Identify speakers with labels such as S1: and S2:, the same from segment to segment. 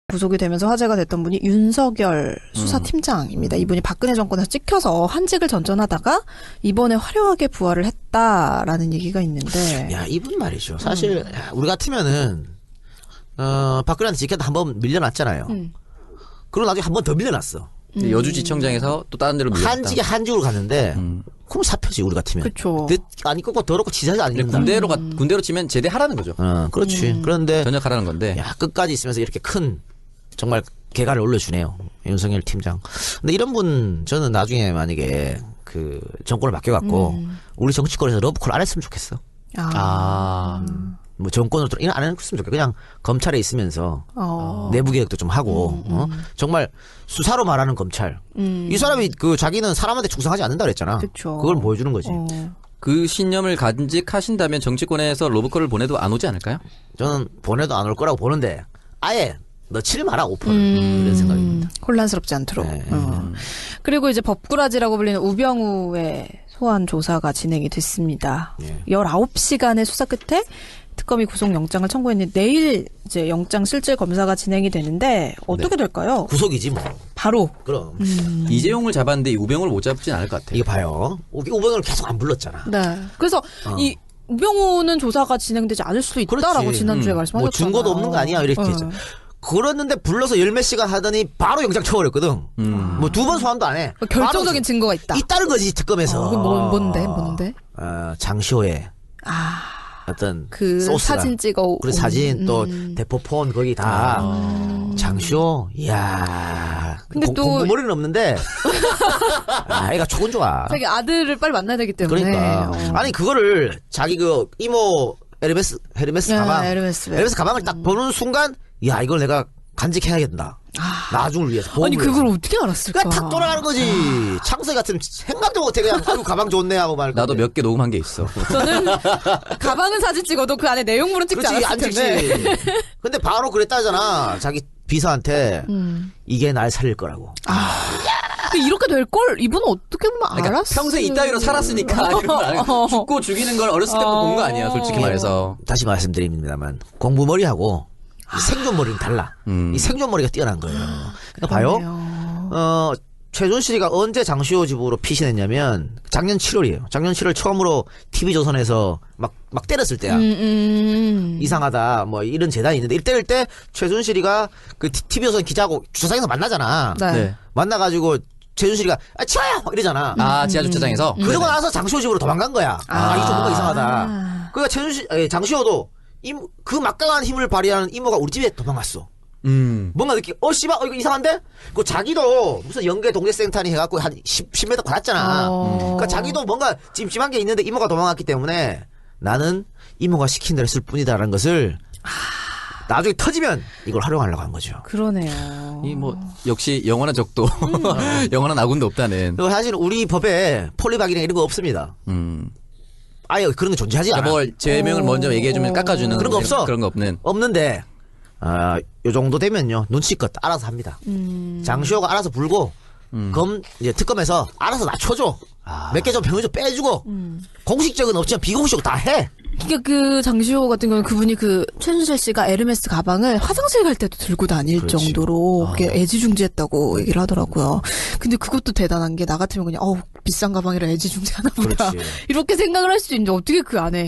S1: 구속이 되면서 화제가 됐던 분이 윤석열 수사팀장입니다. 이분이 박근혜 정권에서 찍혀서 한직을 전전하다가 이번에 화려하게 부활을 했다라는 얘기가 있는데.
S2: 야, 이분 말이죠. 사실 우리 같으면은 박근혜한테 찍혔다 한번 밀려났잖아요. 그리고 나중에 한 번 더 밀려났어.
S3: 여주지청장에서 또 다른 데로 밀렸다.
S2: 한직에 한직으로 갔는데 그럼 사표지 우리 같으면.
S1: 그렇죠.
S2: 아니 꺾고 더럽고 지사지 아닙니다.
S3: 군대로 치면 제대하라는 거죠.
S2: 그렇지. 그런데
S3: 전역하라는 건데.
S2: 야, 끝까지 있으면서 이렇게 큰 정말 개가를 올려주네요. 윤석열 팀장. 근데 이런 분 저는 나중에 만약에 그 정권을 맡겨갖고 우리 정치권에서 러브콜 안 했으면 좋겠어. 뭐 정권으로 안 했으면 좋겠어. 그냥 검찰에 있으면서 내부 개혁도 좀 하고 정말 수사로 말하는 검찰. 이 사람이 그 자기는 사람한테 충성하지 않는다 그랬잖아.
S1: 그쵸.
S2: 그걸 보여주는 거지.
S3: 그 신념을 간직하신다면 정치권에서 로브콜을 보내도 안 오지 않을까요?
S2: 저는 보내도 안 올 거라고 보는데 아예 넣지를 마라 오퍼를 이런 생각입니다.
S1: 혼란스럽지 않도록.
S2: 네.
S1: 그리고 이제 법꾸라지라고 불리는 우병우의 소환 조사가 진행이 됐습니다. 19시간의 수사 끝에 특검이 구속영장을 청구했는데 내일 이제 영장 실질 검사가 진행이 되는데 어떻게 될까요?
S2: 구속이지 뭐.
S1: 바로.
S2: 그럼.
S3: 이재용을 잡았는데 우병우를 못 잡진 않을 것 같아요.
S2: 이거 봐요. 우병우를 계속 안 불렀잖아.
S1: 네. 그래서 이 우병우는 조사가 진행되지 않을 수도 있다라고
S2: 그렇지.
S1: 지난주에 말씀하셨잖아요.
S2: 뭐 증거도 없는 거 아니야 이렇게 했죠. 그랬는데 불러서 열 몇 시간 하더니 바로 영장 쳐버렸거든. 뭐 두 번 소환도 안 해.
S1: 결정적인 증거가 있다.
S2: 있다는 거지 특검에서.
S1: 뭔데?
S2: 장시호의 어떤
S1: 그
S2: 소스가.
S1: 사진 찍어.
S2: 그리고 사진 또 대포폰 거기 다 장시호. 이야.
S1: 근데 또
S2: 공부머리는 없는데 애가 촉은 좋아.
S1: 자기 아들을 빨리 만나야 되기 때문에.
S2: 그러니까 아니 그거를 자기 그 이모 헤르메스 가방 헤르메스 가방을 딱 보는 순간 야 이걸 내가 간직해야겠다. 나중을 위해서.
S1: 아니 그걸 어떻게 알았을까?
S2: 그냥 탁 돌아가는 거지. 창세 같은 생각도 못해 그냥 아이고 가방 좋네 하고 말고.
S3: 나도 몇 개 녹음한 게 있어.
S1: 저는 가방은 사진 찍어도 그 안에 내용물은 찍지
S2: 그렇지,
S1: 않았을 텐데.
S2: 근데 바로 그랬다잖아. 자기 비서한테 이게 날 살릴 거라고.
S1: 이렇게 될 걸 이분은 어떻게 보면
S3: 그러니까
S1: 알았어.
S3: 평소에 이따위로 살았으니까 이런 걸 알고 죽고 죽이는 걸 어렸을 때부터 본 거 아니야, 솔직히 말해서.
S2: 다시 말씀드립니다만 공부머리하고 생존머리는 달라. 이 생존머리가 뛰어난 거예요. 그러니까 봐요. 최순실이가 언제 장시호 집으로 피신했냐면 작년 7월이에요. 작년 7월 처음으로 TV조선에서 막 때렸을 때야. 이상하다 뭐 이런 재단이 있는데 때릴 때 최순실이가 그 TV조선 기자하고 주차장에서 만나잖아.
S1: 네.
S2: 만나가지고 최순실이가 치워요 이러잖아.
S3: 지하 주차장에서.
S2: 그러고 나서 장시호 집으로 도망간 거야. 이게 좀 뭔가 이상하다. 그러니까 장시호도 그 막강한 힘을 발휘하는 이모가 우리 집에 도망갔어. 뭔가 느끼, 씨발, 이거 이상한데? 그 자기도 무슨 연계 동대생탄이 해갖고 한 10m 받았잖아. 그러니까 자기도 뭔가 찜찜한 게 있는데 이모가 도망갔기 때문에 나는 이모가 시킨 대로 했을 뿐이다라는 것을 나중에 터지면 이걸 활용하려고 한 거죠.
S1: 그러네요.
S3: 이 뭐 역시 영원한 적도 영원한 아군도 없다는.
S2: 그리고 사실 우리 법에 폴리박이나 이런 거 없습니다. 아예 그런 게 존재하지 않아.
S3: 뭘 죄명을 먼저 얘기해주면 깎아주는
S2: 그런 거 없어.
S3: 그런 거 없는.
S2: 없는데 요 정도 되면요 눈치껏 알아서 합니다. 장시호가 알아서 불고 이제 특검에서 알아서 낮춰줘. 몇 개 좀 병을 좀 빼주고 공식적은 없지만 비공식적으로 다 해.
S1: 그러니까 그 장시호 같은 경우는 그분이 그 최순실 씨가 에르메스 가방을 화장실 갈 때도 들고 다닐
S2: 그렇지.
S1: 정도로 그게 애지중지했다고 얘기를 하더라고요. 근데 그것도 대단한 게 나 같으면 그냥 비싼 가방이라 애지중지하나 보다
S2: 그렇지.
S1: 이렇게 생각을 할 수도 있는데 어떻게 그 안에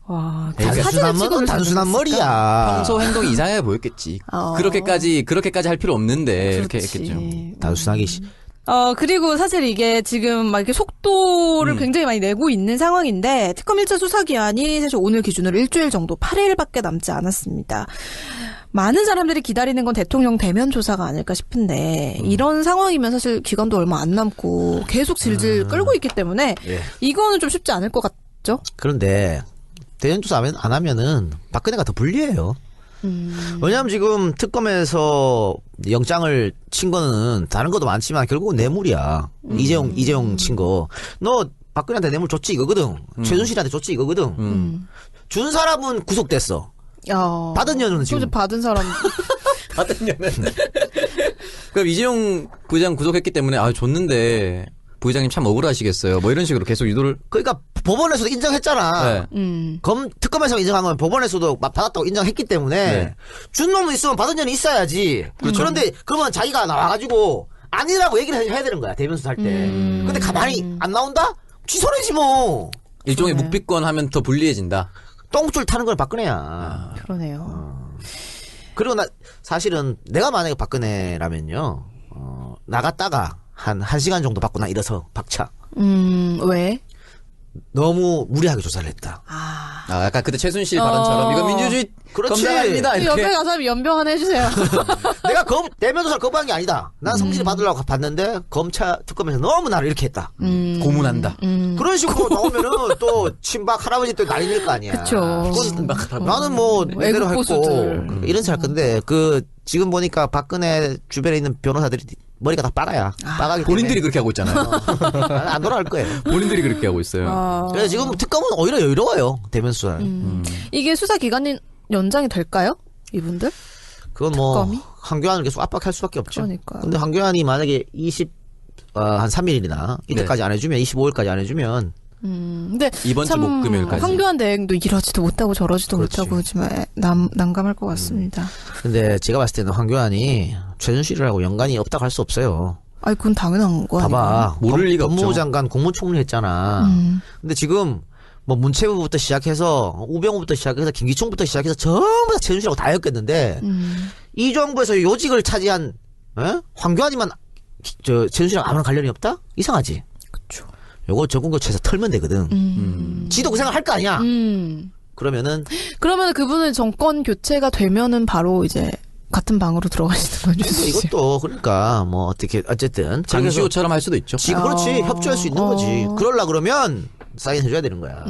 S2: 단순한 머리야.
S3: 평소 행동이 이상해 보였겠지. 그렇게까지 할 필요 없는데 이렇게 했겠죠.
S2: 단순하게.
S1: 그리고 사실 이게 지금 막 이렇게 속도를 굉장히 많이 내고 있는 상황인데, 특검 1차 수사기한이 사실 오늘 기준으로 일주일 정도 8일밖에 남지 않았습니다. 많은 사람들이 기다리는 건 대통령 대면 조사가 아닐까 싶은데, 이런 상황이면 사실 기간도 얼마 안 남고 계속 질질 끌고 있기 때문에, 이거는 좀 쉽지 않을 것 같죠?
S2: 그런데, 대면 조사 안 하면은 박근혜가 더 불리해요. 왜냐하면 지금 특검에서 영장을 친 거는 다른 것도 많지만 결국은 뇌물이야. 이재용 친 거. 너 박근혜한테 뇌물 줬지 이거거든. 최순실한테 줬지 이거거든. 준 사람은 구속됐어. 받은 년은 지금.
S1: 받은 사람.
S3: 받은 년은. 그럼 이재용 부장 구속했기 때문에 줬는데 부회장님 참 억울하시겠어요. 뭐 이런 식으로 계속 유도를.
S2: 그러니까 법원에서도 인정했잖아.
S3: 네.
S2: 특검에서 인정한 건 법원에서도 받았다고 인정했기 때문에
S3: 네.
S2: 준 놈은 있으면 받은 년이 있어야지. 그런데 그러면 자기가 나와가지고 아니라고 얘기를 해야 되는 거야 대변수 할 때. 근데 가만히 안 나온다? 취소해지 뭐.
S3: 일종의 묵비권 하면 더 불리해진다.
S2: 똥줄 타는 건 박근혜야.
S1: 그러네요.
S2: 그리고 사실은 내가 만약에 박근혜라면요, 나갔다가 한 1시간 정도 받고 나 일어서 박차.
S1: 왜?
S2: 너무 무리하게 조사를 했다.
S3: 약간 그때 최순실 발언처럼 이거 민주주의
S2: 그렇지.
S3: 검증아닙니다. 이렇게.
S1: 옆에 가서 연병 하나 해주세요.
S2: 내가 대면 조사를 거부한 게 아니다. 난 성실히 받으려고 봤는데 검찰 특검에서 너무 나를 이렇게 했다.
S3: 고문한다.
S2: 그런 식으로 나오면은 또 친박 할아버지 또 난리 낼 거 아니야.
S1: 그쵸.
S2: 나는 뭐 내대로
S1: 애국
S2: 했고
S1: 보수들.
S2: 이런 생각 건데 지금 보니까 박근혜 주변에 있는 변호사들이 머리가 다 빠가야. 빠가기
S3: 본인들이
S2: 때문에
S3: 그렇게 하고 있잖아요.
S2: 안 돌아갈 거예요.
S3: 본인들이 그렇게 하고 있어요.
S2: 그래서 지금 특검은 오히려 여유로워요. 대면 수사.
S1: 이게 수사 기간이 연장이 될까요? 이분들?
S2: 그건 뭐
S1: 특검이?
S2: 황교안을 계속 압박할 수밖에 없죠.
S1: 그러니까요.
S2: 근데 황교안이 만약에 한 3일이나 이때까지 안 해주면 25일까지 안 해주면
S1: 근데
S3: 이번 주
S1: 참
S3: 목금일까지.
S1: 황교안 대행도 이러지도 못하고 저러지도
S2: 그렇지.
S1: 못하고 정말 난감할 것 같습니다.
S2: 근데 제가 봤을 때는 황교안이 최순실하고 연관이 없다고 할 수 없어요.
S1: 아니 그건 당연한 거 아니에요?
S2: 봐봐.
S3: 모를 리가 없죠.
S2: 법무부 장관 국무총리 했잖아. 근데 지금 뭐 문체부부터 시작해서 우병우부터 시작해서 김기총부터 시작해서 전부 다 최순실하고 다 엮였는데 이 정부에서 요직을 차지한 황교안이만 최순실하고 아무런 관련이 없다? 이상하지.
S1: 그렇죠.
S2: 요거 전국교체에서 털면 되거든. 지도 그 생각 할 거 아니야. 그러면은
S1: 그러면 그분은 정권 교체가 되면은 바로 이제 같은 방으로 들어가시는 거죠.
S2: 근데 이것도 그러니까 뭐 어떻게 어쨌든
S3: 장시호처럼 할 수도 있죠.
S2: 그렇지 협조할 수 있는 거지. 그러려 그러면 사인해줘야 되는 거야.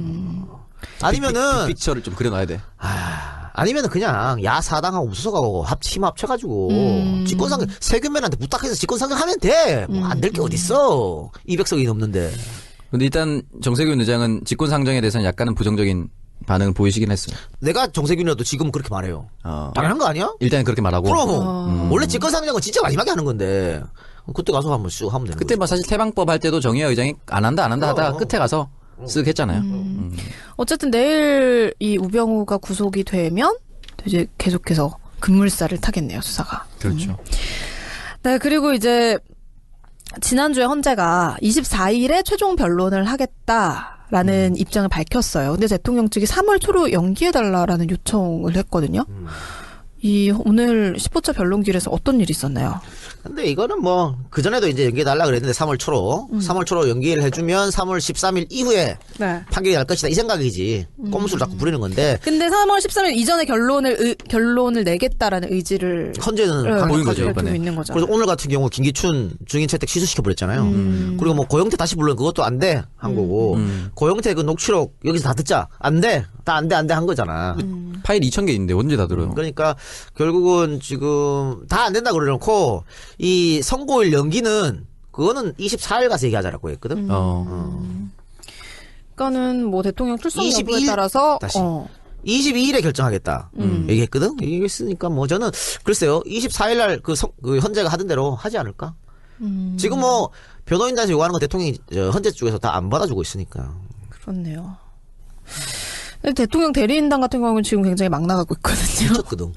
S2: 아니면은
S3: 픽처를 좀 그려놔야 돼.
S2: 아니면은 그냥 야사당하고 무소속하고 힘 합쳐가지고 집권상정 세균맨한테 부탁해서 집권상정하면 돼. 뭐 안 될 게 어딨어. 200석이 넘는데.
S3: 근데 일단 정세균 의장은 직권상정에 대해서는 약간은 부정적인 반응을 보이시긴 했어요.
S2: 내가 정세균이라도 지금 그렇게 말해요. 당연한 거 아니야?
S3: 일단 그렇게 말하고.
S2: 그럼 원래 집권상정은 진짜 마지막에 하는 건데 그때 가서 한번 쭉 하면 되는
S3: 그때
S2: 거지.
S3: 뭐 사실 태방법 할 때도 정의화 의장이 안 한다 하다가 끝에 가서 쓱 했잖아요.
S1: 어쨌든 내일 이 우병우가 구속이 되면 이제 계속해서 급물살을 타겠네요, 수사가.
S3: 그렇죠.
S1: 네, 그리고 이제 지난주에 헌재가 24일에 최종 변론을 하겠다라는 입장을 밝혔어요. 근데 대통령 측이 3월 초로 연기해달라라는 요청을 했거든요. 오늘 10호차 변론길에서 어떤 일이 있었나요?
S2: 근데 이거는 뭐 그전에도 이제 연기해달라 그랬는데 3월 초로 3월 초로 연기를 해주면 3월 13일 이후에
S1: 네.
S2: 판결이 날 것이다 이 생각이지. 꼼수를 자꾸 부리는 건데
S1: 근데 3월 13일 이전에 결론을 내겠다라는 의지를
S2: 헌재는
S3: 보인 거죠,
S2: 강력하죠.
S3: 이번에.
S1: 밝히고 있는 거죠.
S2: 그래서 오늘 같은 경우 김기춘 증인 채택 취소시켜 버렸잖아요. 그리고 뭐 고영태 다시 불러 그것도 안 돼 한 거고 고영태 그 녹취록 여기서 다 듣자 안 돼 다 안 돼 한 거잖아.
S3: 파일 2,000개 있는데 언제 다 들어요?
S2: 그러니까 결국은 지금 다 안 된다 그러놓고 이 선고일 연기는 그거는 24일 가서 얘기하자라고 했거든.
S1: 그러니까는 뭐 대통령 출석 여부에
S2: 22일
S1: 따라서
S2: 다시. 22일에 결정하겠다. 얘기했거든. 얘기했으니까 뭐 저는 글쎄요. 24일 날 그 헌재가 하던 대로 하지 않을까? 지금 뭐 변호인단에서 요구하는 거 대통령이 헌재 쪽에서 다 안 받아주고 있으니까.
S1: 그렇네요. 근데 대통령 대리인단 같은 경우는 지금 굉장히 막 나가고 있거든요.
S2: 미쳤거든.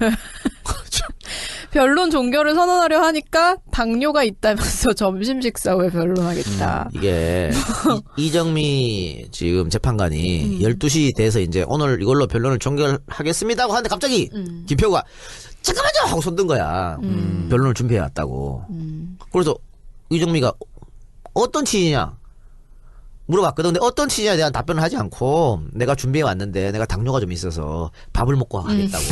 S1: 변론 종결을 선언하려 하니까 당뇨가 있다면서 점심 식사 후에 변론하겠다.
S2: 이게 이정미 지금 재판관이 12시 돼서 이제 오늘 이걸로 변론을 종결하겠습니다 하고 하는데 갑자기 김표가 잠깐만요 하고 손든 거야. 변론을 준비해 왔다고. 그래서 이정미가 어떤 취지냐 물어봤거든. 근데 어떤 취지에 대한 답변을 하지 않고 내가 준비해 왔는데 내가 당뇨가 좀 있어서 밥을 먹고 하겠다고.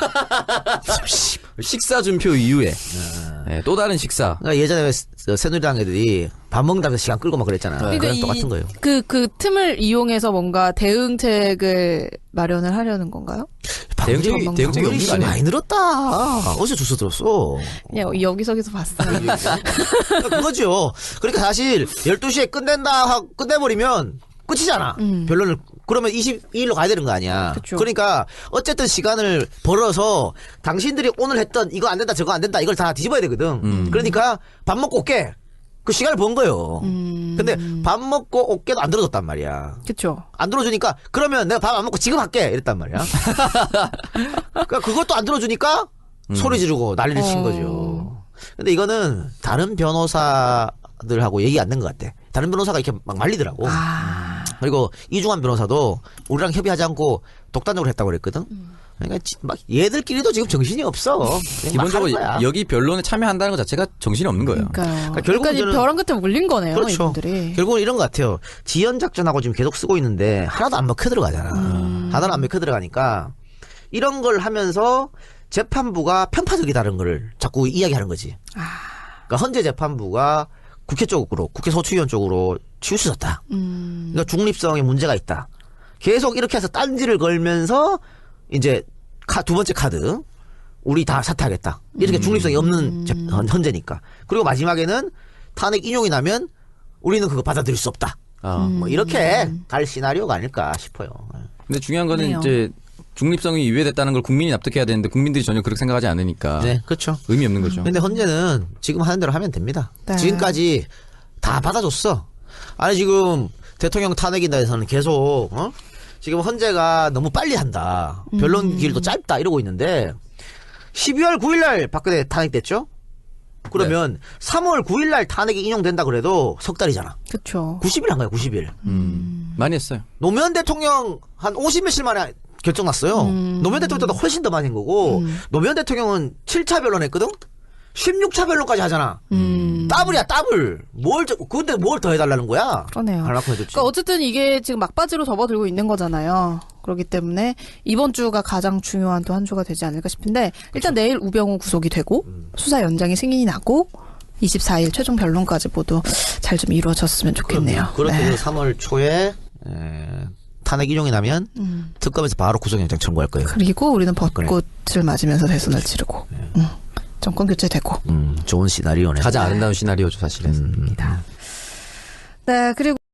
S3: 식사 준표 이후에 네, 또 다른 식사.
S2: 그러니까 예전에 새누리당 애들이 밥 먹는다면서 시간 끌고 막 그랬잖아. 그냥 똑같은 거예요.
S1: 그 틈을 이용해서 뭔가 대응책을 마련을 하려는 건가요?
S3: 대응책이 없는 거 아니에요?
S2: 많이 늘었다. 어제 주소 들었어.
S1: 그냥 여기저기서 봤어요.
S2: 그거죠. 그러니까 사실 12시에 끝내버리면 끝이잖아. 변론을. 그러면 22일로 가야 되는 거 아니야.
S1: 그쵸.
S2: 그러니까 어쨌든 시간을 벌어서 당신들이 오늘 했던 이거 안 된다 저거 안 된다 이걸 다 뒤집어야 되거든. 그러니까 밥 먹고 올게. 그 시간을 번 거예요. 근데 밥 먹고 어깨도 안 들어줬단 말이야.
S1: 그쵸.
S2: 안 들어주니까 그러면 내가 밥 안 먹고 지금 할게 이랬단 말이야. 그러니까 그것도 안 들어주니까 소리 지르고 난리를 친 거죠. 근데 이거는 다른 변호사들하고 얘기 안 된 것 같아. 다른 변호사가 이렇게 막 말리더라고. 그리고 이중환 변호사도 우리랑 협의하지 않고 독단적으로 했다고 그랬거든. 그러니까 막 얘들끼리도 지금 정신이 없어. 그냥 막
S3: 기본적으로
S2: 하는 거야.
S3: 여기 변론에 참여한다는 것 자체가 정신이 없는 거예요.
S1: 그러니까요.
S2: 결국은
S1: 그러니까
S2: 저는-
S1: 벼랑 끝에 물린 거네요.
S2: 그렇죠.
S1: 이분들이.
S2: 결국은 이런 것 같아요. 지연 작전하고 지금 계속 쓰고 있는데 하나도 안 먹혀 들어가잖아. 하나도 안 먹혀 들어가니까 이런 걸 하면서 재판부가 편파적이다는 걸 자꾸 이야기하는 거지. 그러니까 헌재 재판부가 국회 쪽으로, 국회 소추위원 쪽으로 치우쳐졌다. 그러니까 중립성에 문제가 있다. 계속 이렇게 해서 딴지를 걸면서 이제 두 번째 카드 우리 다 사퇴하겠다. 이렇게 중립성이 없는 헌재니까. 그리고 마지막에는 탄핵 인용이 나면 우리는 그거 받아들일 수 없다. 뭐 이렇게 갈 시나리오가 아닐까 싶어요.
S3: 근데 중요한 거는
S1: 그래요.
S3: 이제 중립성이 위배됐다는 걸 국민이 납득해야 되는데 국민들이 전혀 그렇게 생각하지 않으니까
S2: 네, 그렇죠.
S3: 의미 없는 거죠.
S2: 근데 헌재는 지금 하는 대로 하면 됩니다.
S1: 네.
S2: 지금까지 다 받아줬어. 아니 지금 대통령 탄핵인다 해서는 계속 지금 헌재가 너무 빨리 한다. 변론 길도 짧다 이러고 있는데 12월 9일날 박근혜 탄핵됐죠? 그러면 3월 9일날 탄핵이 인용된다 그래도 석 달이잖아.
S1: 그쵸.
S2: 90일 한 거야 90일.
S3: 많이 했어요.
S2: 노무현 대통령 한 50몇일 만에 결정 났어요. 노무현 대통령보다 훨씬 더 많이 한 거고 노무현 대통령은 7차 변론했거든? 16차 변론까지 하잖아. 더블이야 더블. 근데 뭘 더 해달라는 거야?
S1: 그러네요.
S2: 할만큼 해줬지.
S1: 그러니까 어쨌든 이게 지금 막바지로 접어들고 있는 거잖아요. 그렇기 때문에 이번 주가 가장 중요한 또 한 주가 되지 않을까 싶은데 일단 내일 우병우 구속이 되고 수사 연장이 승인이 나고 24일 최종 변론까지 모두 잘 좀 이루어졌으면 좋겠네요.
S2: 그렇게
S1: 네.
S2: 3월 초에 탄핵 인용이 나면 특검에서 바로 구속영장 청구할 거예요.
S1: 그리고 우리는 벚꽃을 맞으면서 대선을 치르고 정권 교체되고
S2: 좋은 시나리오네.
S3: 가장 아름다운 시나리오죠 사실은.
S1: 네, 그리고